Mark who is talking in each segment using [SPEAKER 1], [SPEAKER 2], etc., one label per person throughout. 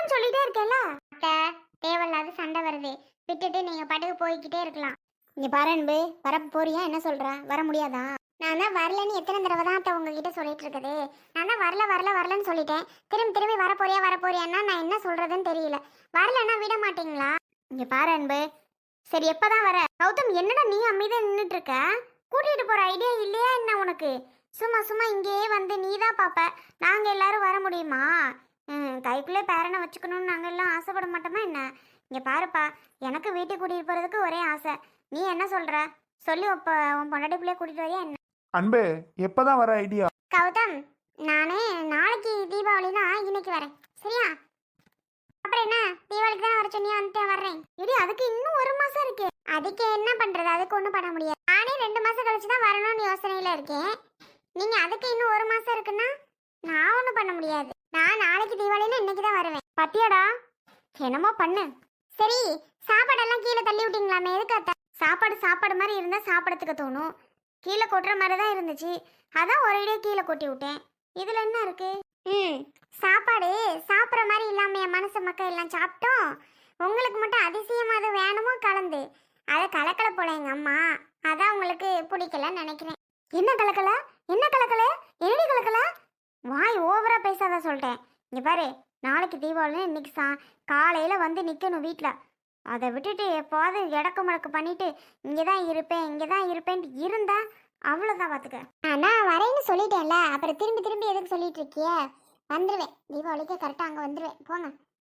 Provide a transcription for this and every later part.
[SPEAKER 1] தான் சொல்லிட்டே இருக்கேன்ல. அத்தை, தேவையில்லாத சண்டை வருது, விட்டுட்டு நீங்க பாட்டுக்கு போய்கிட்டே இருக்கலாம். இங்க பாரு அன்பு, வர போறியா? என்ன சொல்ற? வர முடியாதா? நான் தான் வரலன்னு எத்தனை தடவை தான் அத்தை உங்ககிட்ட சொல்லிட்டு இருக்குது. நான் தான் வரல வரல வரலன்னு சொல்லிட்டேன். திரும்பி திரும்பி வர போறியான்னா நான் என்ன சொல்றதுன்னு தெரியல. வரலன்னா விட மாட்டீங்களா? இங்க பாரு அன்பு, சரி எப்பதான் வர? கௌதம், என்னடா நீ அமைதியா நின்றுட்டு இருக்க? கூட்டிட்டு போற ஐடியா இல்லையா என்ன உனக்கு? சும்மா சும்மா இங்கேயே வந்து நீ தான் பாப்ப, நாங்க எல்லாரும் வர முடியுமா? கைக்குள்ளே பேரனை வச்சுக்கணும்னு நாங்கள் எல்லாம் ஆசைப்பட மாட்டோமா என்ன? இங்கே பாருப்பா, எனக்கு வீட்டுக்கு கூட்டிகிட்டு போகிறதுக்கு ஒரே ஆசை. நீ என்ன சொல்கிற சொல்லி இப்போ உன் பொண்டாட்டி பிள்ளைய கூட்டிகிட்டு வரையா என்ன?
[SPEAKER 2] அன்பே, எப்பதான் வர ஐடியா?
[SPEAKER 1] கௌதம், நானே நாளைக்கு தீபாவளினா இன்னைக்கு வரேன், சரியா? அப்புறம் என்ன, தீபாவளிக்கு தான் வர சொன்னியா? வந்துட்டு வர்றேன். இடி, அதுக்கு இன்னும் ஒரு மாசம் இருக்கு. அதுக்கு என்ன பண்றது? அதுக்கு ஒன்றும் பண்ண முடியாது. நானே 2 மாசம் கழிச்சு தான் வரணும்னு யோசனையில இருக்கேன். நீங்க அதுக்கு இன்னும் ஒரு மாசம் இருக்குன்னா நான் ஒன்றும் பண்ண முடியாது. நான் நாளைக்கு தீபாவளினா இன்னைக்கு தான் வருவேன். பத்தியாடா, என்னமோ பண்ணு. சரி, சாப்பாடெல்லாம் கீழே தள்ளி விட்டீங்களாமே, எதுக்காத்த? சாப்பாடு மாதிரி இருந்தா சாப்பிடறதுக்கு தோணும். கீழே கொட்டுற மாதிரி தான் இருந்துச்சு, அதான் ஒரேடியாக கீழே கொட்டி விட்டேன். இதுல என்ன இருக்கு? சாப்பாடு சாப்பிட்ற மாதிரி இல்லாம என் மனசு மக்கள் எல்லாம் சாப்பிட்டோம். உங்களுக்கு மட்டும் அதிசயமா அது வேணுமோ கலந்து அதை கலக்கல போல எங்க அம்மா. அதான் உங்களுக்கு பிடிக்கலன்னு நினைக்கிறேன். என்ன கலக்கல? என்ன கலக்கல? என்னடி கலக்கல? வாய் ஓவரா பேசாத சொல்லிட்டேன். இங்க பாரு, நாளைக்கு தீபாவளி, இன்னைக்கு காலையில வந்து நிக்கணும் வீட்டுல. அதை விட்டுட்டு எப்போது இடக்கு முடக்கு பண்ணிட்டு இங்கதான் இருப்பேன்ட்டு இருந்தா அவ்வளவுதான் பாத்துக்க. நான் வரேன்னு சொல்லிட்டேன்ல, அப்புறம் திரும்பி திரும்பி எதுக்கு சொல்லிட்டு இருக்கிய? வந்துடுவேன், தீபாவளிக்கு கரெக்டாக அங்கே வந்துடுவேன், போங்க.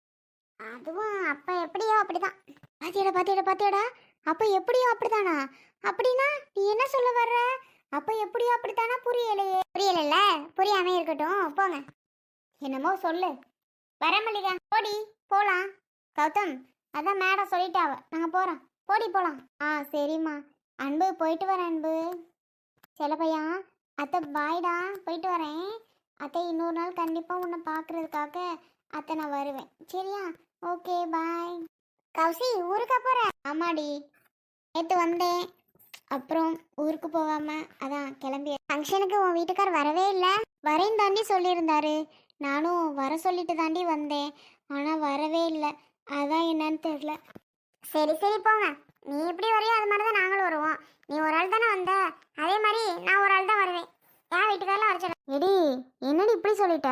[SPEAKER 1] அதுவும் அப்போ எப்படியோ அப்படிதான். பாத்தியாடா, அப்போ எப்படியோ அப்படித்தானா? அப்படின்னா நீ என்ன சொல்ல வர்ற? அப்போ எப்படியோ அப்படித்தானா? புரியலைல்ல, புரியாம இருக்கட்டும், போங்க. என்னமோ சொல்லு. வர மல்லிகா, போடி போலாம். கௌதம், அதான் மேடம் சொல்லிட்டாவ, நாங்கள் போகிறோம், போடி போகலாம். சரிம்மா. அன்பு, போயிட்டு வரேன் அன்பு. செல்லப்பையா, அத்தை பாய்டா, போயிட்டு வரேன். அத்தை, இன்னொரு நாள் கண்டிப்பாக உன்னை பார்க்குறதுக்காக அத்தை நான் வருவேன், சரியா? ஓகே, பாய். கௌசி, ஊருக்கா போகிற? ஆமாடி, நேற்று வந்தேன், அப்புறம் ஊருக்கு போகாமல் அதான் கிளம்பி. ஃபங்க்ஷனுக்கு உன் வீட்டுக்கார் வரவே இல்லை. வரேன்னு தாண்டி சொல்லியிருந்தாரு, நானும் வர சொல்லிட்டு தாண்டி வந்தேன், ஆனால் வரவே இல்லை. அதான் என்னன்னு தெரில. சரி போங்க, நீ எப்படி வரையோ அது மாதிரி தான் நாங்களும் வருவோம். நீ ஒரு ஆள் தானே வந்த, அதே மாதிரி நான் ஒரு ஆள் தான் வருவேன். என் வீட்டுக்காரெல்லாம் வர சொல்ல. எடி, என்னடி இப்படி சொல்லிட்ட?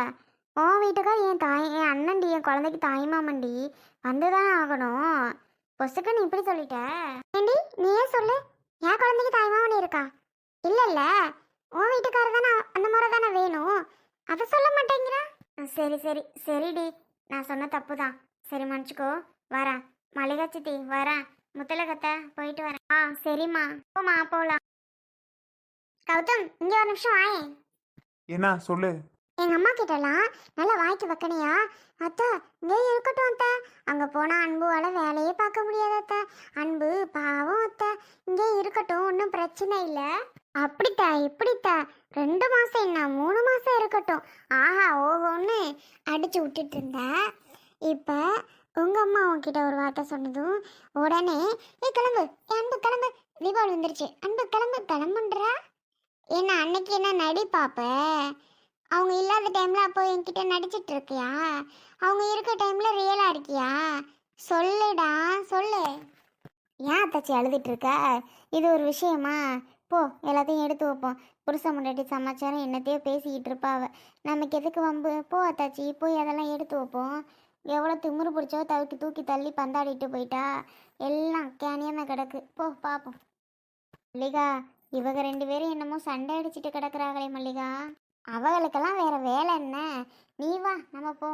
[SPEAKER 1] உன் வீட்டுக்கார் என் அண்ணன்டி, என் குழந்தைக்கு தாய்மாமன்டி, வந்துதானே ஆகணும். பொசுக்கு நீ இப்படி சொல்லிட்ட. ஏண்டி, நீயே சொல்லு, என் குழந்தைக்கு தாய்மாமன் இருக்கா? இல்லைல்ல, உன் வீட்டுக்காரர் தானே அந்த முறை தானே வேணும், அதை சொல்ல மாட்டேங்கிறா. சரிடி, நான் சொன்ன தப்பு தான், சரி மன்னிச்சுக்கோ. வரேன் மல்லிகா சித்தி, வரேன். முத்தலகத்தை போயிட்டு வரேன். சரிம்மா, போமா, போகலாம். கௌதம், இங்கே ஒரு நிமிஷம் வாயே.
[SPEAKER 2] என்ன சொல்லு?
[SPEAKER 1] எங்கள் அம்மா கிட்டலாம் நல்லா வாய்க்கு வைக்கணையா? அத்தை, இங்கே இருக்கட்டும் அத்தை, அங்கே போனால் அன்புவால் வேலையே பார்க்க முடியாது அத்தை. அன்பு பாவம் அத்தை, இங்கே இருக்கட்டும், ஒன்றும் பிரச்சனை இல்லை. அப்படித்தா, இப்படித்தா, 2 மாதம் என்ன 3 மாதம் இருக்கட்டும். ஆஹா ஓஹோன்னு அடிச்சு விட்டுட்டு இருந்தேன். இப்போ உங்கள் அம்மா உங்ககிட்ட ஒரு வார்த்தை சொன்னதும் உடனே கிளம்பு, அன்பு கிளம்பு, தீபாவளி வந்துருச்சு, அன்பு கிளம்புன்றா. என்ன அன்னைக்கு என்ன நடி பாப்ப? அவங்க இல்லாத டைம்ல அப்போ என்கிட்ட நடிச்சிட்டு இருக்கியா? அவங்க இருக்க டைம்ல ரியலா இருக்கியா? சொல்லுடா, சொல்லு. ஏன் அத்தாச்சி அழுதுட்டு இருக்க? இது ஒரு விஷயமா? போ, எல்லாத்தையும் எடுத்து வைப்போம். புருஷ முன்னாடி சமாச்சாரம் என்னத்தையோ பேசிக்கிட்டு இருப்பாவ, நமக்கு எதுக்கு வம்பு? போ அத்தாச்சி, போய் அதெல்லாம் எடுத்து வைப்போம். எவ்வளோ திமுரு பிடிச்சோ தூக்கி தள்ளி பந்தாடிட்டு போயிட்டா, எல்லாம் கேனியமாக கிடக்கு. போ பார்ப்போம். மல்லிகா, இவங்க 2 பேரும் என்னமோ சண்டை அடிச்சுட்டு கிடக்குறாங்களே மல்லிகா. அவங்களுக்கெல்லாம் வேற வேலை என்ன? நீ வா, நம்ம போ.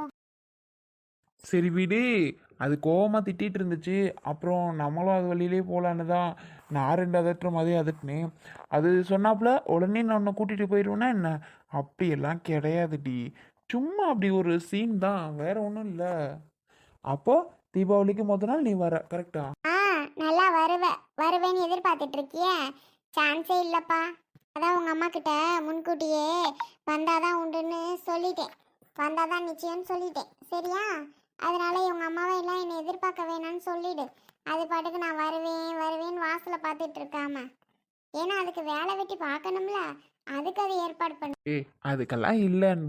[SPEAKER 2] சரி விடு, அது கோவமாக திட்டிகிட்டு இருந்துச்சு, அப்புறம் நம்மளும் அது வழியிலே போகலான்னு தான் நான் 2 அதட்டுற மாதிரி அதட்டினேன். அது சொன்னாப்புல உடனே நான் உன்னை கூட்டிகிட்டு போயிடுவேன்னா என்ன? அப்படியெல்லாம் கிடையாதுடி, சும்மா அப்படி ஒரு சீன் தான், வேற ஒன்றும் இல்லை. அப்போ தீபாவளிக்கு மொதல் நாள் நீ வர, கரெக்டா?
[SPEAKER 1] நல்லா வருவேன்னு எதிர்பார்த்துட்டு இருக்கிய? சான்ஸே இல்லைப்பா. அதான் உங்கள் அம்மா கிட்ட முன்கூட்டியே வந்தாதான் உண்டுன்னு சொல்லிட்டேன், வந்தாதான் நிச்சயம்னு சொல்லிட்டேன், சரியா? அதனால உங்கள் அம்மாவை எல்லாம் என்னை எதிர்பார்க்க வேணான்னு சொல்லிடு. அது பாட்டுக்கு நான் வருவேன்னு வாசலை பார்த்துட்டு இருக்காம, ஏன்னா அதுக்கு வேலை வெட்டி பார்க்கணும்ல, அதுக்கு அது ஏற்பாடு பண்ணு.
[SPEAKER 2] அதுக்கெல்லாம் இல்லை அன்பு,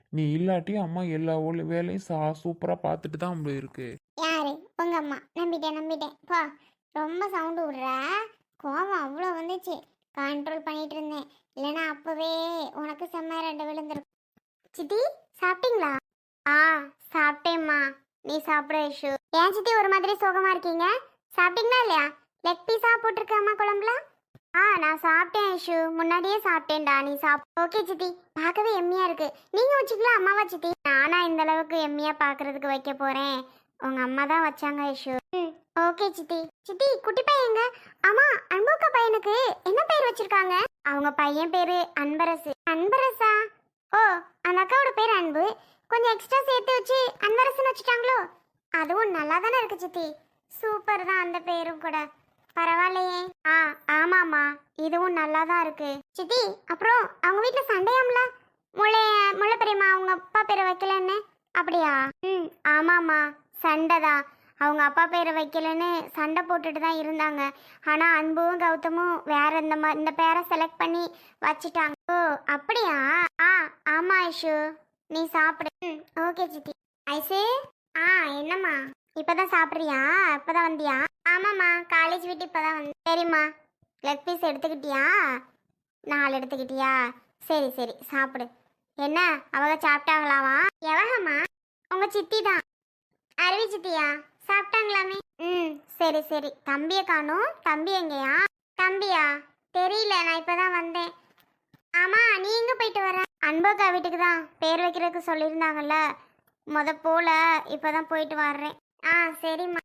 [SPEAKER 2] நீ இல்லாட்டி அம்மா எல்லா வேலையும் சூப்பராக பார்த்துட்டு தான் இருக்கு.
[SPEAKER 1] யாரு உங்க அம்மா? நம்பிட்டேன் பா. ரொம்ப சவுண்டு விடுற. கோவம் அவ்வளோ வந்துச்சு. கண்ட்ரோல் பண்ணிட்டு இருந்தேன். இல்லைன்னா அப்பவே உனக்கு செம்ம ரெண்டு விழுந்திருக்கும். சித்தி சாப்பிட்டீங்களா? ஆ சாப்பிட்டேம்மா. நீ சாப்பிட ஐஷு. ஏன் சித்தி ஒரு மாதிரி சோகமா இருக்கீங்க? சாப்பிட்டீங்களா இல்லையா? லெக் பீஸா போட்டிருக்க அம்மா குழம்புல? நான் சாப்பிட்டேன் ஐஷு. முன்னாடியே சாப்பிட்டேன்டா. நீ ஓகே சித்தி. பார்க்கவே எம்மியா இருக்கு. நீங்க வச்சுக்கலாம் அம்மாவா சித்தி? நானா இந்த அளவுக்கு எம்மியா பார்க்கறதுக்கு வைக்க போறேன். உங்க அம்மா தான் வச்சாங்க ஐஷு. ஓகே சித்தி. சித்தி குட்டி பையன் எங்க? ஆமா அன்புக்கா பையனுக்கு என்ன பேர் வச்சிருக்காங்க? அவங்க பையன் பேரு அன்பரசு. அன்பரசா? ஓ அந்த அக்காவோட பேர் அன்பு. கொஞ்சம் எக்ஸ்ட்ரா சேர்த்து வச்சு அன்பரசுன்னு வச்சுட்டாங்களோ? அதுவும் நல்லா தானே இருக்கு சித்தி. சூப்பர் தான் அந்த பேரும் கூட. பரவாயில்லையே. ஆமாம்மா இதுவும் நல்லா தான் இருக்கு சித்தி. அப்புறம் அவங்க வீட்டில் சண்டையாம்ல? முல்லை பெரியம்மா அவங்க அப்பா பேரை வைக்கலன்னு. அப்படியா? ஆமாம்மா சண்டை தான். அவங்க அப்பா பேரை வைக்கலன்னு சண்டை போட்டுட்டு தான் இருந்தாங்க. ஆனால் அன்பும் கௌதமும் வேற இந்த பேரை செலக்ட் பண்ணி வச்சுட்டாங்க. ஓ அப்படியா? ஆமாம் ஐஷு. நீ சாப்பிடு. ஓகே சித்தி. ஐசு என்னம்மா இப்பதான் சாப்பிட்றியா? இப்பதான் வந்தியா? ஆமாம்மா காலேஜ் விட்டு இப்பதான் வந்து. சரிம்மா லெக் பீஸ் எடுத்துக்கிட்டியா? 4 எடுத்துக்கிட்டியா? சரி சரி சாப்பிடு. என்ன அவங்க சாப்பிட்டாங்களாமா? எவகம்மா? உங்க சித்தி தான். அருவி சித்தியா? சாப்பிட்டாங்களாமே. சரி சரி. தம்பியை காணோம். தம்பி எங்கேயா? தம்பியா தெரியல. நான் இப்பதான் வந்தேன். ஆமா நீ எங்க போயிட்டு வர? அன்போக்கா வீட்டுக்கு தான். பேர் வைக்கிறதுக்கு சொல்லியிருந்தாங்கல்ல. போல இப்பதான் போயிட்டு வர்றேன். சரிம்மா.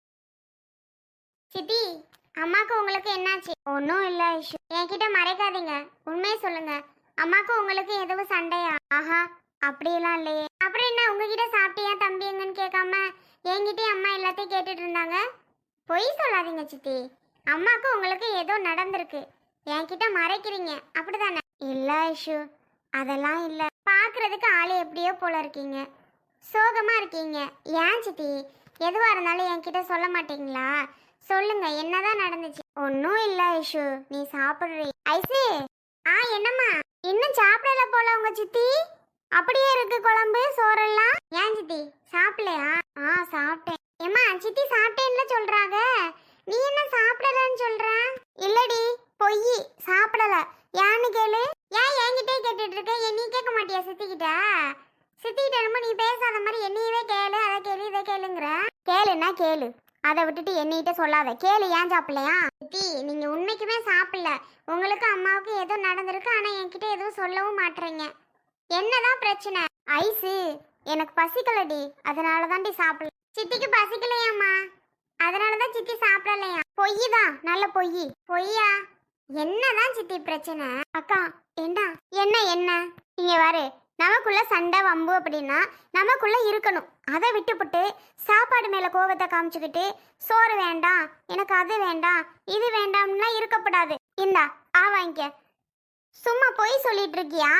[SPEAKER 1] சித்தி அம்மாக்கு உங்களுக்கு என்னாச்சு? ஒன்றும் இல்லை ஐஷு. என்கிட்ட மறைக்காதீங்க. உண்மையை சொல்லுங்க. அம்மாக்கு உங்களுக்கு எதுவும் சண்டையா? ஆஹா அப்படியெல்லாம் இல்லையே. அப்புறம் என்ன உங்ககிட்ட சாப்பிட்டியா தம்பி எங்கன்னு கேட்காம என்கிட்டயும் அம்மா எல்லாத்தையும் கேட்டுட்டு இருந்தாங்க? பொய் சொல்லாதீங்க சித்தி. அம்மாக்கு உங்களுக்கு ஏதோ நடந்திருக்கு. என்கிட்ட மறைக்கிறீங்க அப்படிதானே? இல்லை ஐஷு அதெல்லாம் இல்லை. பார்க்கறதுக்கு ஆளு எப்படியோ போல இருக்கீங்க. சோகமா இருக்கீங்க. ஏன் சித்தி எதுவா இருந்தாலும் என்கிட்ட சொல்ல மாட்டீங்களா? சொல்லுங்க என்னதான் நடந்துச்சு? ஒன்றும் இல்லை ஐஷு. நீ சாப்பிடுறீ. ஐசு என்னம்மா இன்னும் சாப்பிடல போல உங்க சித்தி? அப்படியே இருக்கு குழம்பு சோறெல்லாம். ஏன் சித்தி சாப்பிடலையா? சாப்பிட்டேன். ஏம்மா சித்தி சாப்பிட்டேன்னு சொல்றாங்க. நீ என்ன சாப்பிடலன்னு சொல்ற? இல்லடி பொய். சாப்பிடல. ஏன்னு கேளு. ஏன் என்கிட்டே கேட்டுட்டு இருக்க? என்னையும் கேட்க மாட்டியா சித்திக்கிட்ட? சித்திக்கிட்ட என்னமோ நீ பேசாத மாதிரி என்னையவே கேளு அதை கேளு இதை கேளுங்கிற. கேளுன்னா கேளு. அதை விட்டுட்டு என்னைகிட்ட சொல்லாத. கேளு ஏன் சாப்பிடலையா? சித்தி நீங்க உண்மைக்குமே சாப்பிடல. உங்களுக்கு அம்மாவுக்கு ஏதோ நடந்திருக்கு. ஆனா என்கிட்ட எதுவும் சொல்லவும் மாட்டீங்க. என்னதான் பிரச்சனை? ஐசு எனக்கு பசிக்கலடி. அதனால தான்டி சாப்பிடல. சித்திக்கு பசிக்கலையாம்மா? அதனாலதான் சித்தி சாப்பிடலையா? பொய் தான். நல்ல பொய். பொய்யா? என்னதான் சித்தி பிரச்சனை? அக்கா என்ன என்ன இங்க பாரு. நமக்குள்ள சண்டை வம்பு அப்படின்னா நமக்குள்ள இருக்கணும். அதை விட்டுப்புட்டு சாப்பாடு மேல கோவத்தை காமிச்சுக்கிட்டு சோறு வேண்டாம் எனக்கு அது வேண்டாம் இது வேண்டாம்னா இருக்கப்படாது. இந்தா வாங்கிக்க. சும்மா பொய் சொல்லிட்டு இருக்கியா?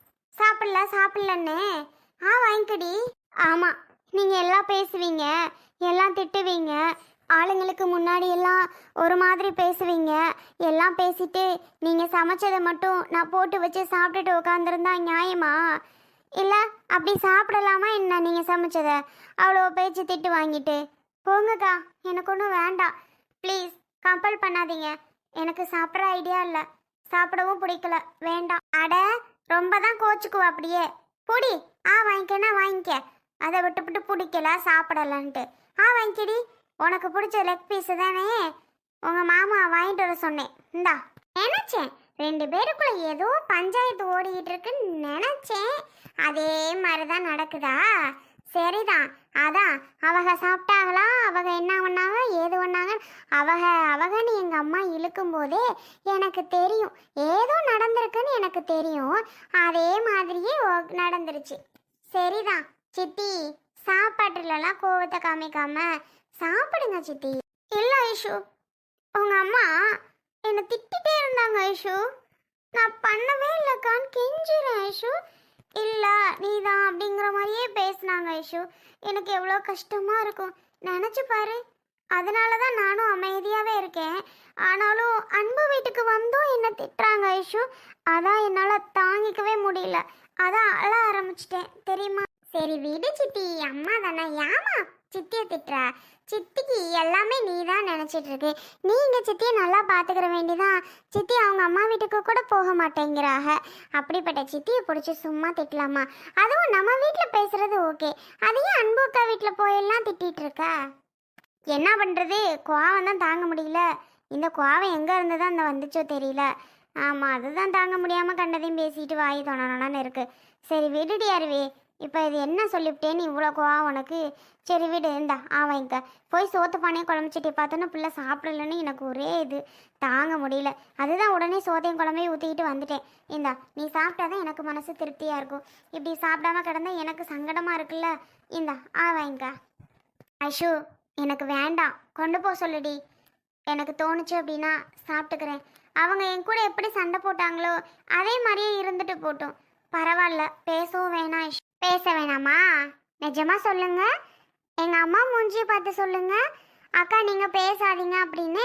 [SPEAKER 1] சாப்பிடலன்னு வாங்கிக்கடி. ஆமா நீங்க எல்லாம் பேசுவீங்க, எல்லாம் திட்டுவீங்க, ஆளுங்களுக்கு முன்னாடி எல்லாம் ஒரு மாதிரி பேசுவீங்க. எல்லாம் பேசிட்டு நீங்க சமைச்சதை மட்டும் நான் போட்டு வச்சு சாப்பிட்டுட்டு உட்காந்துருந்தா நியாயமா? இல்லை அப்படி சாப்பிடலாமா என்ன? நீங்கள் சமைச்சதை அவ்வளோ பேச்சு திட்டு வாங்கிட்டு போங்கக்கா. எனக்கு ஒன்றும் வேண்டாம். ப்ளீஸ் கம்பல் பண்ணாதீங்க. எனக்கு சாப்பிட்ற ஐடியா இல்லை. சாப்பிடவும் பிடிக்கல. வேண்டாம். அட ரொம்ப தான் கோச்சுக்குவா அப்படியே. பொடி வாங்கிக்கன்னா வாங்கிக்க. அதை விட்டுவிட்டு பிடிக்கல சாப்பிடலன்ட்டு வாங்கிக்கடி. உனக்கு பிடிச்ச லெக் பீஸு தானே உங்கள் மாமா வாங்கிட்டு வர சொன்னேன். இந்தா. நினச்சேன் 2 பேருக்குள்ள ஏதோ பஞ்சாயத்து ஓடிக்கிட்டு இருக்குன்னு நினச்சேன். அதே மாதிரி தான் நடக்குதா? சரிதான். அதான் அவங்க சாப்பிட்டாங்களா, அவங்க என்ன பண்ணாங்க ஏது பண்ணாங்க அவகன்னு எங்கள் அம்மா இழுக்கும் போதே எனக்கு தெரியும் ஏதோ நடந்திருக்குன்னு எனக்கு தெரியும். அதே மாதிரியே நடந்துருச்சு. சரிதான் சித்தி. சாப்பாட்டுலலாம் கோவத்தை காமிக்காம சாப்பிடுங்க சித்தி. இல்லை ஐஷு உங்க அம்மா என்னை திட்டிகிட்டே இருந்தாங்க ஐஷு. நான் பண்ணவே இல்லைக்கான்னு கெஞ்சிறேன் ஐஷு. இல்லை நீ தான் அப்படிங்கிற மாதிரியே பேசினாங்க ஐஷு. எனக்கு எவ்வளோ கஷ்டமாக இருக்கும் நினச்சி பாரு. அதனால தான் நானும் அமைதியாகவே இருக்கேன். ஆனாலும் அன்பு வீட்டுக்கு வந்தும் என்னை திட்டுறாங்க ஐஷு. அதான் என்னால் தாங்கிக்கவே முடியல. அதான் அழ ஆரம்பிச்சிட்டேன் தெரியுமா. சரி விடு சித்தி, அம்மா தானே, ஏமா சித்தியை திட்டுற? சித்திக்கு எல்லாமே நீ தான் நினச்சிட்டு இருக்கு. நீங்க சித்தியை நல்லா பார்த்துக்கிற வேண்டிதான். சித்தி அவங்க அம்மா வீட்டுக்கு கூட போக மாட்டேங்கிறாக. அப்படிப்பட்ட சித்தியை பிடிச்சி சும்மா திட்டலாமா? அதுவும் நம்ம வீட்டில் பேசுறது ஓகே, அதையும் அன்புக்கா வீட்டில் போயெல்லாம் திட்டிட்டு இருக்க. என்ன பண்ணுறது, கோவம் தான் தாங்க முடியல. இந்த கோவம் எங்கே இருந்து தான் அந்த வந்துச்சோ தெரியல. ஆமாம், அதுதான் தாங்க முடியாமல் கண்டதையும் பேசிட்டு வாய் தொணனு இருக்கு. சரி விடுடி அருவி, இப்போ இது என்ன சொல்லிவிட்டேன்னு இவ்வளோ கோவம் உனக்கு? சரி விடு, இந்தா ஆவாங்க போய் சோத்து பானையை குழம்புச்சிட்டி பார்த்தோன்னா பிள்ளை சாப்பிடலன்னு எனக்கு ஒரே இது தாங்க முடியல. அதுதான் உடனே சோத்தையும் குழம்பையும் ஊற்றிக்கிட்டு வந்துட்டேன். இந்தா நீ சாப்பிட்டாதான் எனக்கு மனசு திருப்தியாக இருக்கும். இப்படி சாப்பிடாம கிடந்தா எனக்கு சங்கடமாக இருக்குல்ல. இந்தா ஆவாங்க. ஐஷு, எனக்கு வேண்டாம், கொண்டு போக சொல்லுடி. எனக்கு தோணுச்சு அப்படின்னா சாப்பிட்டுக்கிறேன். அவங்க என் கூட எப்படி சண்டை போட்டாங்களோ அதே மாதிரியே இருந்துட்டு போட்டும், பரவாயில்ல. பேசவும் வேணாம். பேச வேணாமா? நிஜமா சொல்லுங்க, எங்க அம்மா மூஞ்சியை பார்த்து சொல்லுங்க. அக்கா நீங்க பேசாதீங்க அப்படின்னு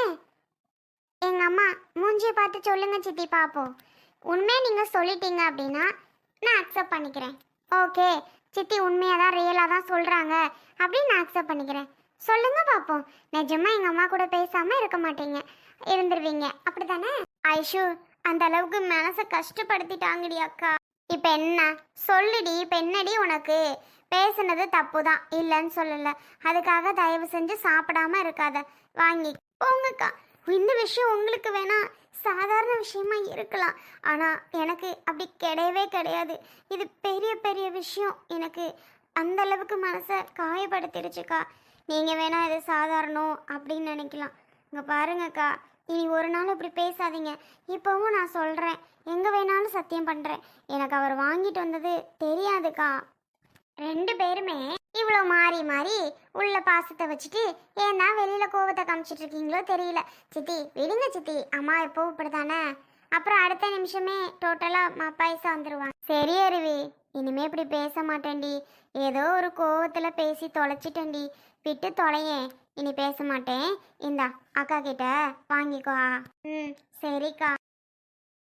[SPEAKER 1] எங்க அம்மா மூஞ்சியை பார்த்து சொல்லுங்க சித்தி பார்ப்போம். உண்மையை நீங்க சொல்லிட்டீங்க அப்படின்னா நான் அக்செப்ட் பண்ணிக்கிறேன். ஓகே, சித்தி உண்மையாக தான் ரியலாக தான் சொல்கிறாங்க அப்படின்னு நான் அக்செப்ட் பண்ணிக்கிறேன். சொல்லுங்க பார்ப்போம். நிஜமா எங்கள் அம்மா கூட பேசாமல் இருக்க மாட்டீங்க, இருந்துருவீங்க அப்படித்தானே? ஐஷு, அந்த அளவுக்கு மனசை கஷ்டப்படுத்திட்டாங்கடி அக்கா. இப்போ என்ன சொல்லுடி, இப்போ என்னடி உனக்கு? பேசுனது தப்பு தான், இல்லைன்னு சொல்லலை. அதுக்காக தயவு செஞ்சு சாப்பிடாம இருக்காத, வாங்கி போங்கக்கா. இந்த விஷயம் உங்களுக்கு வேணா சாதாரண விஷயமா இருக்கலாம், ஆனால் எனக்கு அப்படி கிடையவே கிடையாது. இது பெரிய பெரிய விஷயம். எனக்கு அந்த அளவுக்கு மனசை காயப்படுத்திடுச்சுக்கா. நீங்கள் வேணா இது சாதாரணம் அப்படின்னு நினைக்கலாம். இங்கே பாருங்கக்கா, இனி ஒரு நாள் இப்படி பேசாதீங்க. இப்போவும் நான் சொல்கிறேன், எங்கே வேணாலும் சத்தியம் பண்ணுறேன், எனக்கு அவர் வாங்கிட்டு வந்தது தெரியாதுக்கா. ரெண்டு பேருமே இவ்வளோ மாறி மாறி உள்ள பாசத்தை வச்சுட்டு ஏன் தான் வெளியில் கோவத்தை காமிச்சிட்டு இருக்கீங்களோ தெரியல. சித்தி விடுங்க சித்தி, அம்மா எப்போ இப்படி தானே, அப்புறம் அடுத்த நிமிஷமே டோட்டலாக மப்பாயசம் வந்துடுவாங்க. சரி அருவி, இனிமே இப்படி பேச மாட்டேன்டி. ஏதோ ஒரு கோவத்தில் பேசி தொலைச்சிட்டேன்டி, விட்டு தொலையேன். இனி பேச மாட்டேன். இந்தா அக்கா கிட்ட வாங்கிக்கோ. ம் சரிக்கா.